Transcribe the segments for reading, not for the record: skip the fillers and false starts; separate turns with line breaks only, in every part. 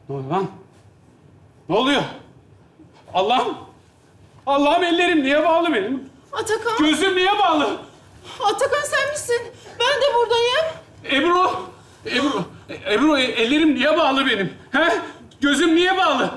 Ne oluyor lan? Ne oluyor? Allah'ım! Allah'ım ellerim niye bağlı benim?
Atakan,
Gözüm niye bağlı?
Atakan sen misin? Ben de buradayım.
Ebru, ellerim niye bağlı benim? He? Gözüm niye bağlı?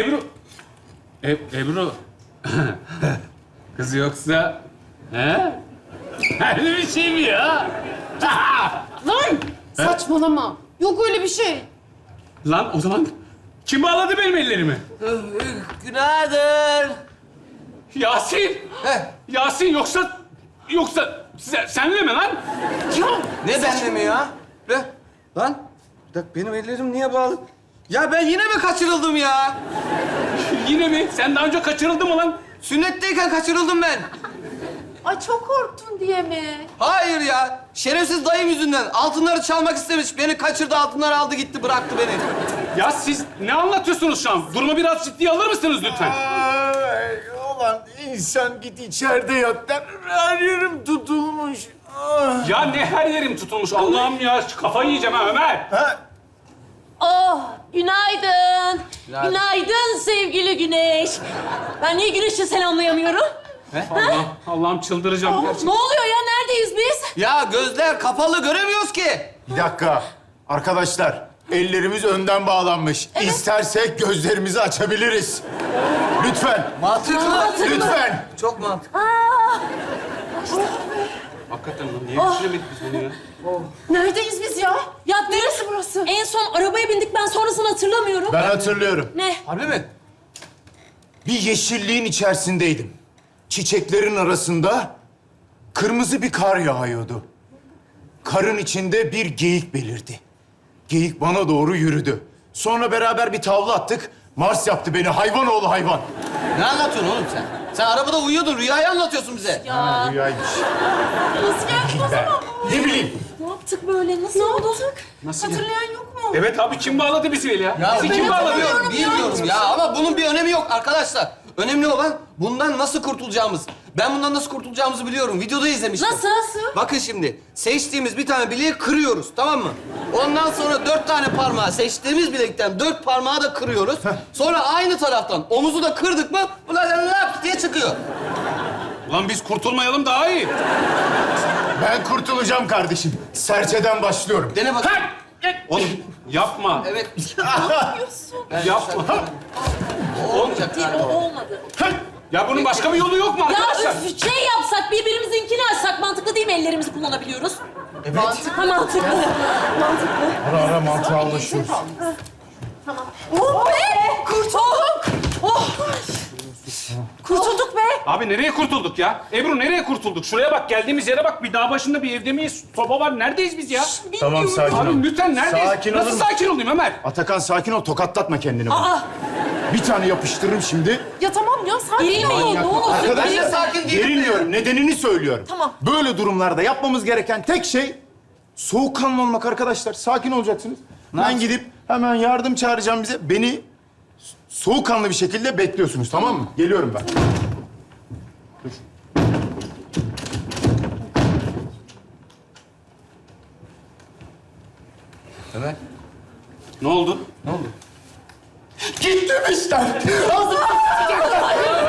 Ebru. Kız yoksa... He? Öyle bir şey mi ya?
Lan! Saçmalama. Yok öyle bir şey.
Lan o zaman kim bağladı benim ellerimi?
Günaydın.
Yasin!
Heh.
Yasin yoksa senle mi lan?
Ya
Ne benle mi ya? Lan, bir dakika benim ellerim niye bağlı? Ya ben yine mi kaçırıldım ya?
Yine mi? Sen daha önce kaçırıldın mı lan?
Sünnetteyken kaçırıldım ben.
ay çok korktun diye mi?
Hayır ya. Şerefsiz dayım yüzünden. Altınları çalmak istemiş. Beni kaçırdı, altınları aldı gitti, bıraktı beni.
Ya siz ne anlatıyorsunuz şu an? Durumu biraz ciddiye alır mısınız lütfen?
Ay, ulan insan git içeride yat der. Her yerim tutulmuş. Ah.
Ya ne her yerim tutulmuş Allah'ım ya. Kafayı yiyeceğim ha Ömer.
Ha,
Oh, günaydın.
Günaydın.
Günaydın sevgili Güneş. Ben niye Güneş'i selamlayamıyorum?
Allah'ım çıldıracağım gerçekten.
Ne oluyor ya? Neredeyiz biz?
Ya gözler kapalı, göremiyoruz ki.
bir dakika. Arkadaşlar, ellerimiz önden bağlanmış. İstersek gözlerimizi açabiliriz. Lütfen.
Mantıklı.
Lütfen.
Çok mantıklı.
Hakikaten lan niye düşünemedik biz bunu ya?
Neredeyiz biz ya?
Ya
Neresi burası?
en son arabaya bindik. Ben sonrasını hatırlamıyorum.
Ben hatırlıyorum.
Ne?
Harbi mi?
Bir yeşilliğin içerisindeydim. Çiçeklerin arasında kırmızı bir kar yağıyordu. Karın içinde bir geyik belirdi. Geyik bana doğru yürüdü. Sonra beraber bir tavla attık. Mars yaptı beni, hayvan oğlu hayvan.
Ne anlatıyorsun oğlum sen? Sen arabada uyuyordun, rüyayı anlatıyorsun bize.
Ya
Rüyaymış.
Nasıl geldik o zaman?
Ne bileyim.
ne yaptık böyle? Nasıl oldu?
Nasıl ya?
Hatırlayan yok mu?
Evet abi kim bağladı bizi ya?
Ya
Bizi kim bağladı?
bilmiyorum ya. Ama bunun bir önemi yok arkadaşlar. Önemli olan bundan nasıl kurtulacağımız. Ben bundan nasıl kurtulacağımızı biliyorum. Videoda izlemiştim.
Nasıl?
Bakın şimdi, seçtiğimiz bir tane bileği kırıyoruz, tamam mı? Ondan sonra 4 tane parmağı, seçtiğimiz bilekten 4 parmağı da kırıyoruz. Sonra aynı taraftan omuzu da kırdık mı, ulan lap diye çıkıyor.
Lan biz kurtulmayalım daha iyi.
Ben kurtulacağım kardeşim. Serçeden başlıyorum.
Dene bak.
Oğlum yapma.
Evet.
Yapma.
Olmayacak
Değil,
galiba.
o olmadı.
Ya bunun başka bir yolu yok mu
Ya
arkadaşlar?
üf, şey yapsak, birbirimizinkini açsak mantıklı değil mi? Ellerimizi kullanabiliyoruz. Evet. Mantıklı. Mantıklı.
Ara ara mantığa ulaşıyoruz.
Oh be! Kurtulduk! Oh! Kurtulduk be!
Abi nereye kurtulduk ya? Ebru nereye kurtulduk? Şuraya bak, geldiğimiz yere bak. Bir dağ başında bir evde miyiz? Soba var. Neredeyiz biz ya?
Tamam, sakin ol.
Abi lütfen neredeyiz?
Sakin
Nasıl
olur
sakin olayım Ömer?
Atakan sakin ol, tokatlatma kendini. bana. Bir tane yapıştırırım şimdi.
Ya tamam ya sakin
Gerilmeyin, ne olur.
Arkadaşlar,
sakin değilim.
gerilmiyorum. Nedenini söylüyorum.
Tamam.
Böyle durumlarda yapmamız gereken tek şey soğukkanlı olmak arkadaşlar. Sakin olacaksınız. Ben gidip hemen yardım çağıracağım bize. Beni soğukkanlı bir şekilde bekliyorsunuz, tamam mı? Geliyorum ben. Dur.
Ömer.
Ne oldu?
Ne oldu?
Gittim işte.